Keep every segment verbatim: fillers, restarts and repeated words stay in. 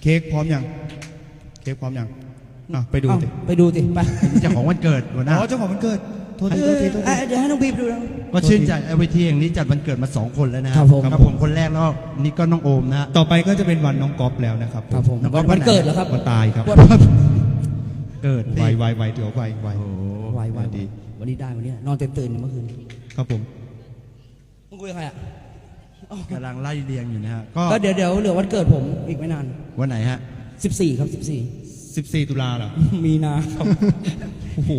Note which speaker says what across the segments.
Speaker 1: เค้กพร้อมยังเค้กพร้อมยังอ่ะไปดูสิ
Speaker 2: ไปดูสิไป
Speaker 3: เจ้าของวันเกิดหัวหน้า
Speaker 1: อ๋อเจ้าของวันเกิดโทษทีโทษทีโทษที
Speaker 2: เดี๋ยวให้น้องบีบดูนะ
Speaker 3: ก็ชื่นใจไอวีทีอย่างนี้จัดวันเกิดมาสองคนแล้วนะ
Speaker 2: ครับผม
Speaker 3: ครับผมคนแรกแล้วนี่ก็น้องโอมนะ
Speaker 1: ต่อไปก็จะเป็นวันน้องก๊อฟแล้วนะครับ
Speaker 2: ครับผม
Speaker 3: น้องก๊อฟ
Speaker 2: วันเกิดเหรอครับ
Speaker 1: วันตายครับ
Speaker 3: เกิด
Speaker 1: ไวไวไวเดี๋ยวไวไว
Speaker 3: โอ้โห
Speaker 2: ไวไว
Speaker 1: ดี
Speaker 2: วันนี้ได้วันนี้นอนเต็มตื่นเมื่อคืน
Speaker 1: ครับผม
Speaker 2: มึงคุยกับใครอ่ะ
Speaker 3: กำลังไล่เรียงอยู่นะฮะก็
Speaker 2: ก็เดี๋ยวเดี๋ยวเหลือวันเกิดผมอีกไม่นาน
Speaker 3: วันไหนฮะ
Speaker 2: สิบสี่ครับสิบสี่
Speaker 1: สิบสี่ตุลาเหรอ
Speaker 2: มีนาครับ
Speaker 1: โอ้โห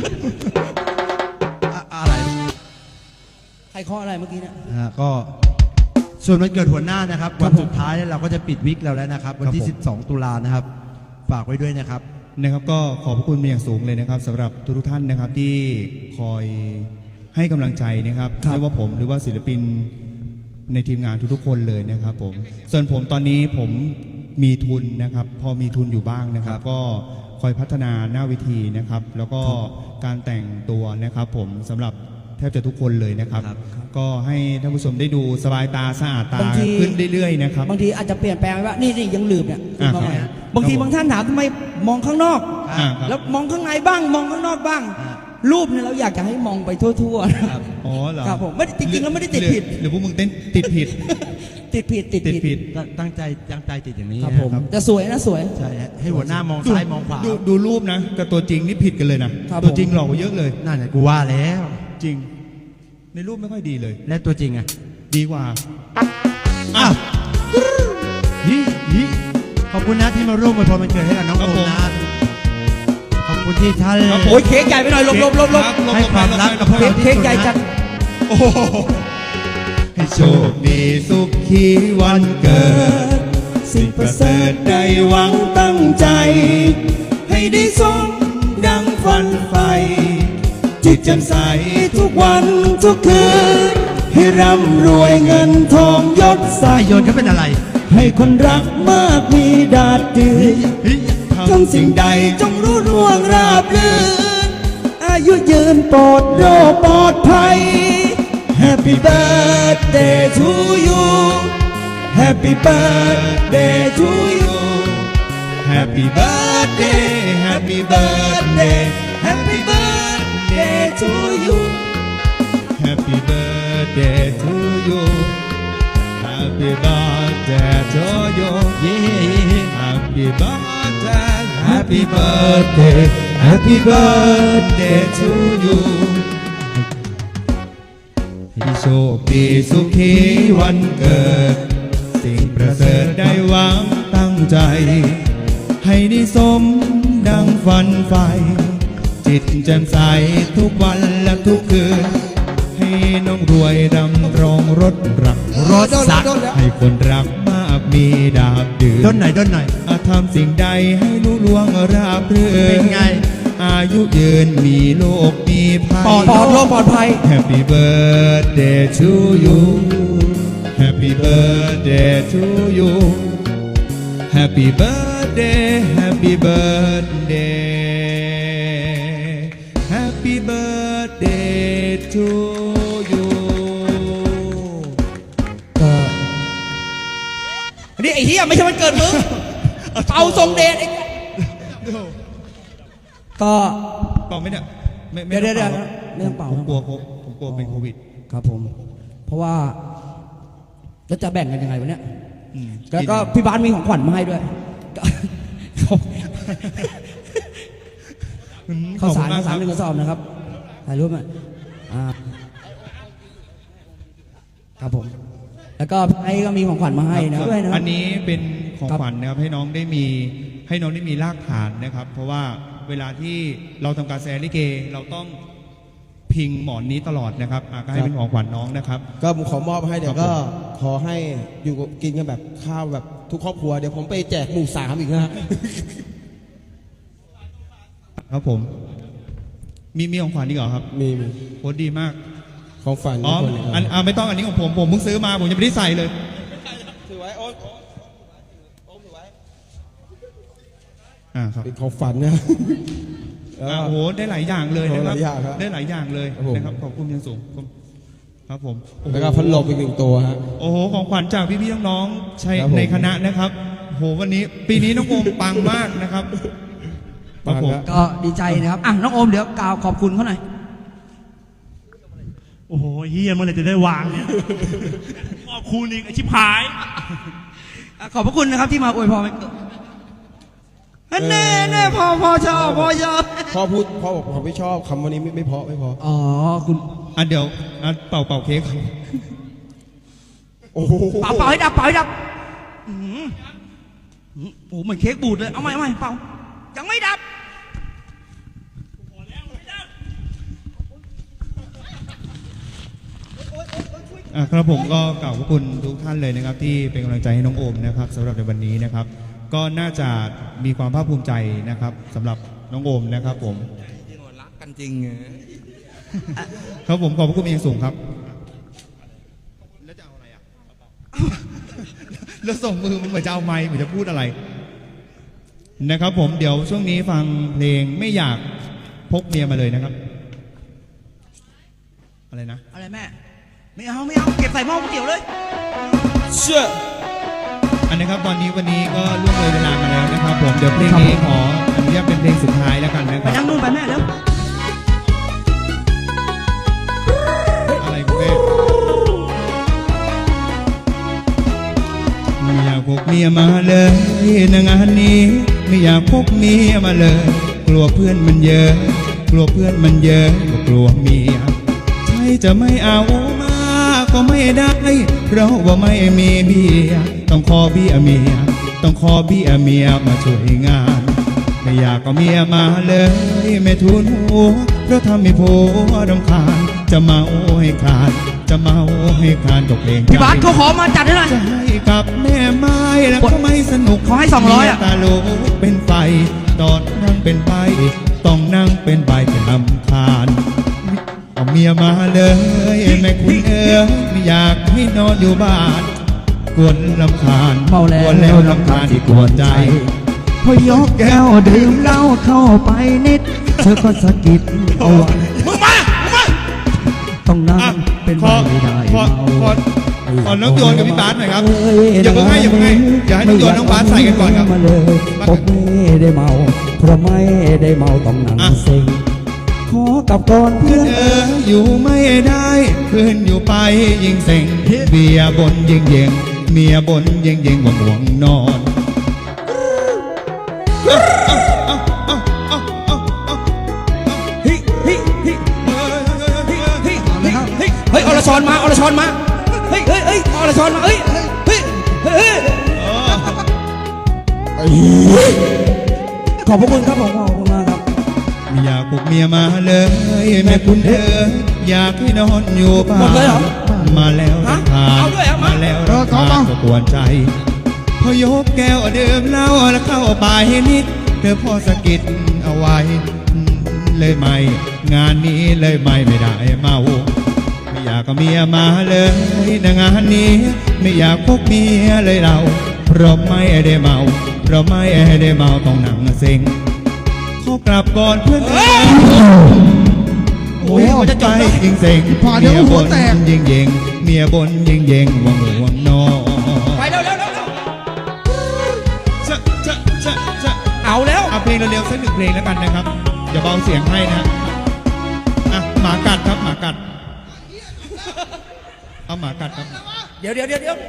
Speaker 3: อะอะไร
Speaker 2: ใครเคาะอะไรเมื่อกี้เนี่ย
Speaker 3: นะฮะก็ส่วนวันเกิดหัวหน้านะครับวันสุดท้ายเนี่ยเราก็จะปิดวิกเราแล้วนะครับ วันที่สิบสองตุลานะครับฝากไว้ด้วยนะครับ
Speaker 1: นะครับก็ขอบพระคุณเป็นอย่างสูงเลยนะครับสำหรับทุกท่านนะครับที่คอยให้กำลังใจนะครับไม่ว่าผมหรือว่าศิลปินในทีมงานทุกๆคนเลยนะครับผมส่วนผมตอนนี้ผมมีทุนนะครับพอมีทุนอยู่บ้างนะครับ ก็คอยพัฒนาหน้าเวทีนะครับ แล้วก็การแต่งตัวนะครับ ผมสำหรับแทบจะทุกคนเลยนะครับ
Speaker 3: ครับ
Speaker 1: ก็ให้ท่านผู้ชมได้ดูสบายตาสะอาดตา
Speaker 2: บางที
Speaker 1: ขึ้นเรื่อยๆนะครับ
Speaker 2: บางทีอาจจะเปลี่ยนแปลงไปว่านี่นี่ยังลืมเนี่ย
Speaker 1: อ่า
Speaker 2: มาใหม่
Speaker 1: ครับ
Speaker 2: บางที
Speaker 1: ครับผม
Speaker 2: บางท่านถามทำไมมองข้างนอก
Speaker 1: อ่าครับ
Speaker 2: แล้วมองข้างในบ้างมองข้างนอกบ้าง
Speaker 3: อ่า
Speaker 2: รูปเนี่ยเราอยากจะให้มองไปทั่วๆนะครับ
Speaker 1: อ๋อเหรอ
Speaker 2: ครับผมไม่ได้จริงๆแล้วไม่ได้ติดผิด
Speaker 1: หรือพวกมึงเต้นติดผิด
Speaker 2: ติดผิดติด
Speaker 1: ติด
Speaker 2: ผิด
Speaker 1: ผิด
Speaker 3: ตั้งตั้งใจตั้งใจติดอย่างนี้
Speaker 2: ครับ
Speaker 3: นะ
Speaker 2: ผม แต่สวยนะสวย
Speaker 3: ใช่ฮะให้หัวหน้ามองซ้ายมองขวา
Speaker 1: ดูดูรูปนะกับตัวจริงนี่ผิดกันเลยนะครับ ตัวจริงหลอกกว่าเยอะเลย
Speaker 3: นั่นแหละกูว่าแล้ว
Speaker 1: จริง ในรูปไม่ค่อยดีเลย
Speaker 3: และตัวจริงอะ
Speaker 1: ดีกว่า
Speaker 3: อ้าวฮิฮิขอบคุณนะที่มาร่วมอวยพรวันเกิดให้กับน้องโอมนะ ขอบคุณที่ท่าน
Speaker 1: ครับผม
Speaker 2: โอ้ยเค้กใหญ่ไปหน่อยลบลบลบลบ
Speaker 1: ครับ
Speaker 3: ให้ความรักกับพวก
Speaker 2: เค้
Speaker 3: เรา
Speaker 2: ก
Speaker 3: ที่
Speaker 2: เค้ก
Speaker 3: สุด
Speaker 2: ใหญ่จัด
Speaker 3: นะ
Speaker 1: โอ้โหให้โชคดีสุขีวันเกิด สิ่งประเสริฐได้หวังตั้งใจ ให้ได้สมดังฝันใฝ่จิตแจ่มใสทุกวันทุกคืน ให้ร่ำรวยเงินทองยศ
Speaker 3: สายโยนเขาเป็นอะไร
Speaker 1: ให้คนรักมากมีดาดดืน
Speaker 3: ฮิ
Speaker 1: ทำสิ่งใดจงรู้ล่วงราบรื่น อายุยืนปลอดโรคปลอดภัย Happy birthday to you Happy birthday to you Happy birthday Happy birthday Happy birthday to you Happy birthday to you Happy birthday to you
Speaker 3: เย้
Speaker 1: Happy birthday Happy birthday Happy birthday to you ให้โชคดีสุขีวันเกิด สิ่งประเสริฐได้หวังตั้งใจ ให้ได้สมดังฝันใฝ่จิตแจ่มใสทุกวันและทุกคืน ให้น้องรวยดำรงรถรัก
Speaker 3: รถสัก
Speaker 1: ให้คนรักมากมีดาบดื่น
Speaker 3: ด้นไหนด้นไหน
Speaker 1: อาจทำสิ่งใดให้รู้ล่วงราบรื่น
Speaker 3: เป็นไง
Speaker 1: อายุยืนมีโลกมีภัย
Speaker 2: ปลอดปลอดโรคปลอดภัย
Speaker 1: Happy birthday to you Happy birthday to you Happy birthday Happy birthday Happy birthday to you
Speaker 2: ก็นี่ไอ้เหี้ยไม่ใช่วันเกิดมึงเป่าทรงเดชไอ้ก็
Speaker 1: เป่าไหมเนี่ยไม่
Speaker 2: เดี๋ยวเดี๋ยวเดี๋ยว
Speaker 1: ป่า
Speaker 2: ไม่ต้องเป่า
Speaker 1: ผมกลัวผมผมกลัวเป็นโควิด
Speaker 2: ครับผม เพราะว่าแล้วจะแบ่งกันยังไงวะเนี่ย
Speaker 1: อืม
Speaker 2: แล้วก็พี่บ้านมีของขวัญมาให้ด้วยก็
Speaker 1: อืม
Speaker 2: ข้าวสาร
Speaker 1: ขอบ
Speaker 2: ข้าว
Speaker 1: คุณม
Speaker 2: สาร
Speaker 1: ก
Speaker 2: หนึ่งกระสอบนะครับถ่ายรูปมาอ่าครับผม แล้วก็ไอ้ก็มีของขวัญมาให้นะด้วยนะ
Speaker 1: อันนี้เป็นของ
Speaker 2: ครับ
Speaker 1: ขวัญนะครับให้น้องได้มีให้น้องได้มีรากฐานนะครับ เพราะว่าเวลาที่เราทำการแสดงลิเกเราต้องพิงหมอนนี้ตลอดนะครับอ่ะก็ให้เป็นของขวัญน้องนะครับ
Speaker 4: ก็ผมขอมอบให้เดี๋ยว
Speaker 1: ครับ
Speaker 4: ก็
Speaker 1: ผม
Speaker 4: ขอให้อยู่กับกินกันแบบข้าวแบบทุกครอบครัวเดี๋ยวผมไปแจกหมู่สามอีกนะฮะ
Speaker 1: ครับผม มีมีของขวัญอีกเหรอครับ
Speaker 4: มีมี
Speaker 1: โคตรดีมาก
Speaker 4: ของฝัน
Speaker 1: อ๋อ
Speaker 4: ทุกคนเลยครับ
Speaker 1: อันอ่ะไม่ต้องอันนี้ของผมผมเพิ่งซื้อมาผมยังไม่ได้ใส่เลย
Speaker 4: ถือไว้โอ๊ตโอ๊ตถือไว้
Speaker 1: อ่าครับ
Speaker 4: เป็นของฝันนะ
Speaker 1: อ่ะโอ้โหได้หลายอย่างเลยนะค
Speaker 4: โอ้
Speaker 1: รับ
Speaker 4: หลายอย่างครับ
Speaker 1: ได้หลายอย่างเลย
Speaker 4: ครับผม
Speaker 1: นะครับขอบคุณอยังสูงครับผมโอ้โห
Speaker 4: แล้วก็พัดลมอีกหนึ่งตัวฮะ
Speaker 1: โอ้โหของขวัญจากพี่ๆน้องๆใช้
Speaker 4: ครับผม
Speaker 1: ในคณะนะครับ
Speaker 5: โหวันนี้ปีนี้น้องโอมปังมากนะครับครับผม
Speaker 2: ก็ดีใจนะครับอ่ะน้องโอมเดี๋ยวกล่าวขอบคุณเขาหน่อย
Speaker 3: โอ้โหเฮียเมื่อไหรจะได้วางเนี่ยขอบคุณอีกไอชิบหาย
Speaker 2: อ่ะขอบพระคุณนะครับที่มาอวยพรวันเกิดแน่แน่พอพอชอบพอชอบ
Speaker 4: พ่อพูดพ่อบอกผมไม่ชอบคำวันนี้ไม่ไม่เพราะไม่เพราะ
Speaker 2: อ๋อคุณ
Speaker 5: อ่ะเดี๋ยวอ่ะเป่าเป่าเค้ก
Speaker 4: โอ้โห
Speaker 2: เป่าเป่าให้ดับเป่าให้ดับอื้อหืออื้อโอ้โหเหมือนเค้กบูดเลยเอาใหม่เอาใหม่เป่ายังไม่ดับ
Speaker 5: อ่ะครับผมก็กล่าวขอบคุณทุกท่านเลยนะครับ ที่เป็นกำลังใจให้น้องโอมนะครับสำหรับในวันนี้นะครับ ก็น่าจะมีความภาคภูมิใจนะครับสำหรับน้องโอมนะครับ ผม
Speaker 2: รักกันจริง
Speaker 5: ครับผมขอบพระคุณเป็นอย่างสูงครับแล้วจะเอาอะไรอ่ะแล้วส่งมือมันเหมือนจะเอาไมค์เหมือนจะพูดอะไรนะครับ ผมเดี๋ยวช่วงนี้ฟังเพลงไม่อยากพกเมียมาเลยนะครับ อะไรนะ
Speaker 2: อะไรแม่ไม่เอาไม่เอาเก็บใส่หม้อก๋วยเตี๋ยวเลย
Speaker 4: เชื่อ
Speaker 5: อันนะครับตอนนี้วันนี้ก็ล่วงเลยเวลามาแล้วนะครับ ผมเดี๋ยวเพลงนี้ขออนุญาตเป็นเพลงสุดท้ายแล้วกันนะค
Speaker 2: ไป
Speaker 5: รับ
Speaker 2: นั่งนู่นไปแม่เร็ว
Speaker 5: อะไรคุณแม่ไม่อยากพกเมียมาเลยในงานนี้ไม่อยากพกเมียมาเลย กลัวเพื่อนมันเยอะ กลัวเพื่อนมันเยอะก็กลัวเมียใช่จะไม่เอามาก็ไม่ได้เพราะว่าไม่มีเบียต้องขอเบี้ยเมียต้องขอเบี้ยเมียมาช่วยงานไม่อยากก็เมียมาเลยไม่ทุนหัวเพราะทำให้ผัวรำคาญจะเมาให้ขาดจะเมาให้ขาดตกเพลง
Speaker 2: พี่บาสเขาขอมาจัดให้หน่อย
Speaker 5: จะให้กับแม่ไม้แล้วก็ไม่สนุก
Speaker 2: ขอให้สองร้อยอะ
Speaker 5: เมีตาโลกเป็นไฟตอนนั่งเป็นไปต้องนั่งเป็นใบจะลำคาญเอาเมียมาเลยแม่คุณเอ๋ยไม่อยากให้นอนอยู่บ้านกวนลำคาญ
Speaker 2: เมาแล้ว
Speaker 5: กวนแล้วลำคาญที่กวนใจ
Speaker 2: พอยกแก้วดื่มเหล้าเข้าไปนิด เธอก็สะกิดเอาไว้
Speaker 5: มึงมามึงมา
Speaker 2: ต้องนั่ง
Speaker 5: อ่ะ
Speaker 2: เป็น
Speaker 5: ข
Speaker 2: ใบ
Speaker 5: อ
Speaker 2: ไม่ได้
Speaker 5: ขอ
Speaker 2: เมา
Speaker 5: ขอขอน้องโยนกับพี่บาสหน่อยครับอย่าเพิ่งให้อย่าเพิ่งให้อย่าให้น้องโยนน้องบาสใส่กันก่อนครับ
Speaker 2: มาเลยผมไม่ได้เมา เพราะไม่ได้เมาต้องนั่ง
Speaker 5: อ่ะ
Speaker 2: เซ็งขอกลับก่อนเพื่อน
Speaker 5: เอออยู่ไม่ได้เพื่อนอยู่ไปยิงเซ็งเบียร์บนยิงเยงเมียบนยิงเยงว่าห่วงนอนเอาเอาเอาเอาเอาเอา
Speaker 2: เฮ้ยเฮ้ยเฮ้ยเฮ้ยเฮ้ยเฮ้ยเฮ้ยเฮ้ยอรชรมาอรชรมาเฮ้ยเฮ้ยเฮ้ยอรชรมาเฮ้ยเฮ้ยเฮ้ยเฮ้ยขอบพระคุณครับผมขอบคุณมากครับ
Speaker 5: ไม่อยากปลุกเมียมาเลยแม่คุณเธออยากให้นอนอยู่บ้า
Speaker 2: หมดเลยเหรอ
Speaker 5: นมาแล้วรำคาญ
Speaker 2: เอาด้วยเหรอ
Speaker 5: มาแล้วรำคาญก็กวนใจ พอยกแก้วดื่มเหล้าแล้วเข้าไปนิดเธอพอสะกิดเอาไว้เลยไม่งานนี้เลยไม่ไม่ได้เมาไม่อยากก็เมียมาเลยในงานนี้ ไม่อยากพกเมียเลยเราเพราะไม่ได้เมาเพราะไม่ได้เมาต้องนั่งเซ็งขอกลับก่อนเพื่อนเอ้ยโอ้ยจะใจยิงเซ็งเมียบนยิงเยงเมียบนยิงเยงวังห่วงนอน
Speaker 2: ไปเร็วเร็วเร็วเร็ว
Speaker 5: จะจะจะจะ
Speaker 2: เอาแล้ว
Speaker 5: เอาเพลงเร็วๆสักหนึ่งเพลงแล้วกันนะครับอย่าเบาเสียงให้นะอ่ะหมากัดครับหมากัดเอาหมากัดครับ
Speaker 2: เดี๋ยวเดี๋ยวเดี๋ยวเดี๋ยว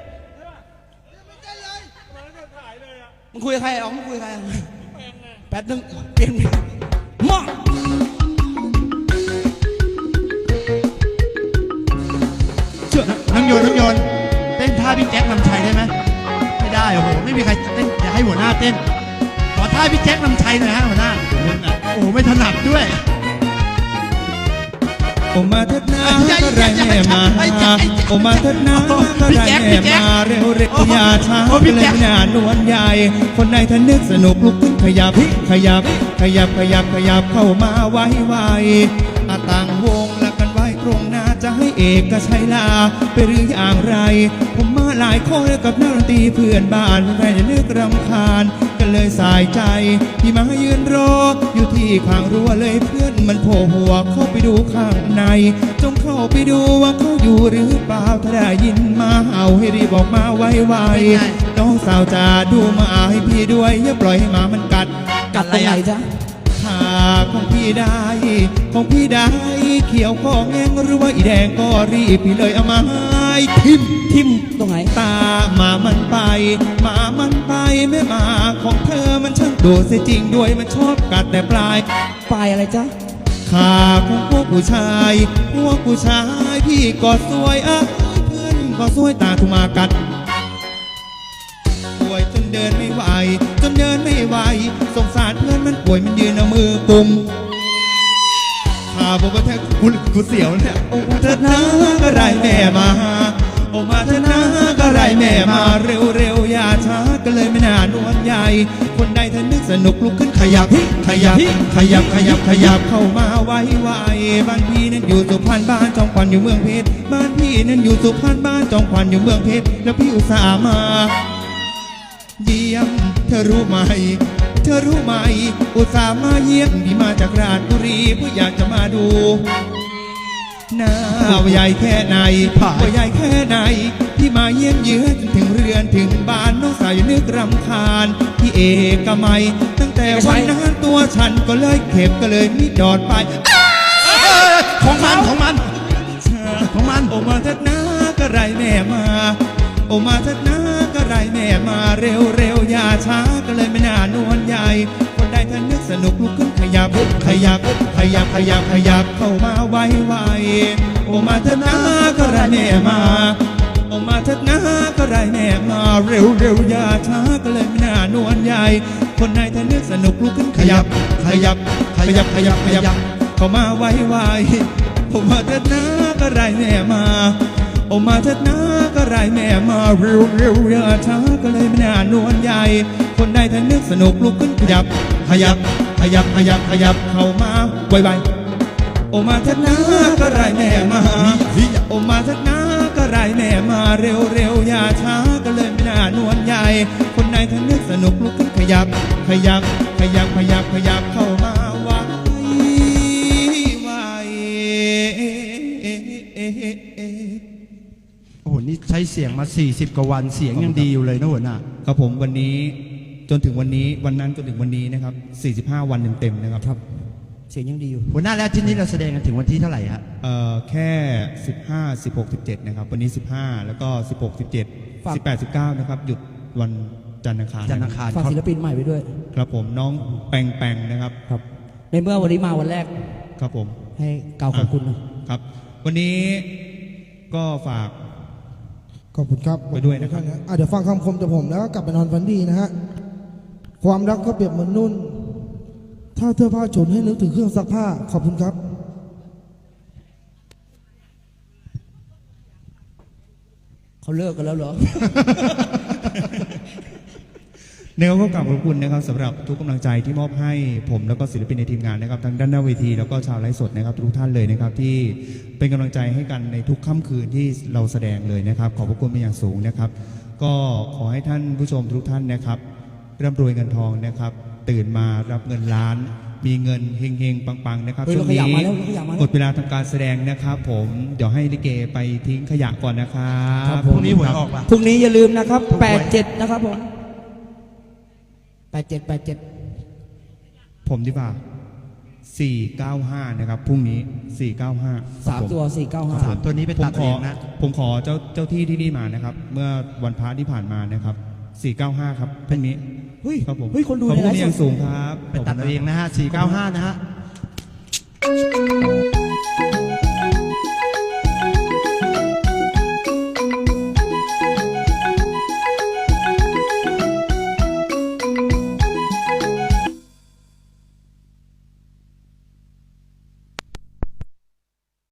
Speaker 2: มึงคุยกับใครอ๋อมึงคุยกับใครแป๊บนึงเปลี่ยนหม้อ
Speaker 3: น้องโยนน้องโยนเต้นท่าพี่แจ็คนำชัยได้ไหมไม่ได้โอ้โหไม่มีใครเต้นอยากให้หัวหน้าเต้นขอท่าพี่แจ็คนำชัยหน่อยฮะหัวหน้าโอ้โหไม่ถนัดด้วย
Speaker 5: โอมาเถิดนาก็ไรแม่มาโอมาเถิดนาก็ไรแม่มาเร็วเร็วอย่าช้าเลยหน้านวลใหญ่ คนใดท่านนึกสนุกลุกขึ้นขยับขยับ ขยับขยับขยับเข้ามาไว้ไว้อาต่างวงละกันไว้ตรงหน้าจะให้เอกชัยลาไปหรืออย่างไร ผมมาหลายคนกับนักดนตรีเพื่อนบ้านใครจะเลือกรำคาญก็เลยสายใจที่มายืนรออยู่ที่ข้างรั้วเลยเพื่อนมันโผล่หัวเข้าไปดูข้างในจงเข้าไปดูว่าเขาอยู่หรือเปล่าถ้าได้ยินมาเห่าให้รีบออกมาไวๆน้องสาวจ๋าดูหมาให้พี่ด้วยอย่าปล่อยให้หมามันกัด
Speaker 2: กัดตรงไหนจ๊ะ
Speaker 5: ขาของพี่ได้ของพี่ได้เขียวก็แงงหรือว่าอีแดงก็รีบพี่เลยเอามาให้ทิม
Speaker 2: ทิมตรงไหน
Speaker 5: ตาหมามันไปหมามันไปแม่หมาของเธอมันช่างดูเสียจริงด้วยมันชอบกัดแต่ปลาย
Speaker 2: ปลายอะไรจ๊ะ
Speaker 5: ขาของพวกผู้ชายพวกผู้ชายพี่ก็สวยอ่ะเพื่อนก็สวยตาทุมากัดป่วยจนเดินไม่ไหวจนเดินไม่ไหวสงสารเพื่อนมันป่วยมันยืนเอามือกุมขาบอกว่าแท้กูกูเสียวเนี่ยโอ้เธอนะก็ไรแม่มาโอ้มาเธอนะก็ไรแม่มาเร็วเร็วอย่าช้าก็เลยไม่น่านวลใหญ่คนใดเธอนึกสนุกลุกขึ้นขยับขยับขยับขยับขยับเข้ามาไวไวบ้านพี่นั้นอยู่สุพรรณบ้านจองควันอยู่เมืองเพชรบ้านพี่นั้นอยู่สุพรรณบ้านจองควันอยู่เมืองเพชรแล้วพี่อุตส่าห์มาเยี่ยมเธอรู้ไหมเธอรู้ไหมอุตส่าห์มาเยี่ยมพี่มาจากราชบุรีเพื่ออยากจะมาดูหน้าว่าใหญ่แค่ไหนว่าใหญ่แค่ไหนพี่มาเยี่ยมเยือนจนถึงเรือนถึงบ้านน้องสาวอย่านึกรำคาญพี่เอกมัยตั้งแต่วันนั้นตัวฉันก็เลยเข็บก็เลยมีดอดไป
Speaker 3: ของมันของมันของมัน
Speaker 5: โอมาเถิดนะก็ไรแม่มาโอมาเถิดนะก็ไรแม่มาเร็วเร็วอย่าช้าก็เลยไม่น่านวลใหญ่คนใดท่านนึกสนุกลุกขึ้นขยับขยับขยับขยับขยับเข้ามาไวไวโอมาเถิดนะก็ไรแม่มาโอมาเถิดนะก็ไรแม่มาเร็วเร็วอย่าช้าก็เลยไม่น่านวลใหญ่คนใดท่านนึกสนุกลุกขึ้นขยับขยับขยับขยับขยับเข้ามาไวไวโอมาเถิดนะก็ไรแม่มาโอมาเถิดนะก็ไรแม่มาเร็วเร็วอย่าช้าก็เลยไม่น่านวลใหญ่คนใดท่านนึกสนุกลุกขึ้นขยับขยับขยับขยับขยับเข้ามาไวไวโอมาเถิดนะก็ไรแม่มาโอมาเถิดนะก็ไรแม่มาเร็วเร็วอย่าช้าก็เลยไม่น่านวลใหญ่คนใดท่านนึกสนุกลุกขึ้นขยับขยับขยับขยับขยับเข้ามาไวไว
Speaker 3: โอ้โหนี่ใช้เสียงมาสี่สิบกว่าวันเสียงยังดีอยู่เลยนะหัวหน้า
Speaker 5: ครับผมวันนี้จนถึงวันนี้วันนั้นจนถึงวันนี้นะครับสี่สิบห้าวันเต็มๆนะครับ
Speaker 2: เสียงยังดีอยู่
Speaker 3: หัวหน้าแล้วที่นี้เราแสดงกันถึงวันที่เท่าไหร่ฮะ
Speaker 5: เอ่อแค่สิบห้า สิบหก สิบเจ็ดนะครับวันนี้สิบห้าแล้วก็สิบหก สิบเจ็ด
Speaker 2: ฝาก
Speaker 5: สิบแปด สิบเก้านะครับหยุดวันจันทร์อังคาร
Speaker 3: จันทร์อังคาร
Speaker 2: ฝาก
Speaker 3: เขา
Speaker 2: ศิลปินใหม่ไปด้วย
Speaker 5: ครับผมน้องแปงแปงนะครับ
Speaker 2: ครับ ในเมื่อวันนี้มาวันแรก
Speaker 5: ครับผม
Speaker 2: ให้กล่าวขอบคุณหนะ
Speaker 5: ครับ วันนี้ก็ฝาก
Speaker 1: ขอบคุณครับ
Speaker 5: ไปด้วยนะครับ
Speaker 1: อ่ะเดี๋ยวฟังคำคมจากผมแล้วก็กลับไปนอนฝันดีนะฮะ ความรักก็เปรียบเหมือนนุ่น ถ้าเธอผ้าฉุนให้นึกถึงเครื่องซักผ้า ขอบคุณครับ
Speaker 2: เขาเลิกกันแล้วเหรอ
Speaker 5: นะครับก็กราบขอบคุณนะครับสำหรับทุกกำลังใจที่มอบให้ผมแล้วก็ศิลปินในทีมงานนะครับทั้งด้านหน้าเวทีแล้วก็ชาวไลฟ์สดนะครับทุกท่านเลยนะครับที่เป็นกำลังใจให้กันในทุกค่ำคืนที่เราแสดงเลยนะครับขอบพระคุณเป็นอย่างสูงนะครับ ก็ขอให้ท่านผู้ชมทุกท่านนะครับร่ำรวยเงินทองนะครับ ตื่นมารับเงินล้าน มีเงินเฮงๆปังๆนะครับ
Speaker 2: เฮ้ย
Speaker 5: ช่วงนี้
Speaker 2: เราขยับมาแล้วเราขยับมาแล้ว
Speaker 5: หมดเวลาทำการแสดงนะครับ ผมเดี๋ยวให้ลิเกไปทิ้งขยะก่อนนะครับ
Speaker 3: พรุ่งนี้หวยออกป่ะ
Speaker 2: พรุ่งนี้อย่าลืมนะครับแปดเจ็ดนะครับผมแปดเจ็ดแปดเจ็ด
Speaker 5: ผมดีกว่าสี่เก้าห้านะครับพรุ่งนี้สี่เก้าห้า
Speaker 2: สามตัวสี่เก้าห้า
Speaker 3: สามตัวนี้ไป
Speaker 5: ผม
Speaker 3: ตัด
Speaker 5: ข
Speaker 3: เอ
Speaker 5: อง
Speaker 3: นะ
Speaker 5: ผมขอเจ้าเจ้าที่ที่นี่มานะครับ เมื่อวันพระที่ผ่านมานะครับสี่เก้าห้าครับพรุ่งนี้
Speaker 2: เฮ้ย
Speaker 5: ครับผม
Speaker 2: เฮ้ยคนดู
Speaker 5: ขอบ
Speaker 2: ใน
Speaker 5: คุณ
Speaker 2: ไลฟ์
Speaker 5: เป็น
Speaker 2: ส
Speaker 5: อย่า
Speaker 2: ด
Speaker 5: งสูงครับ
Speaker 3: ไปตัดเอาเองนะฮะสี่เก้าห้านะฮะ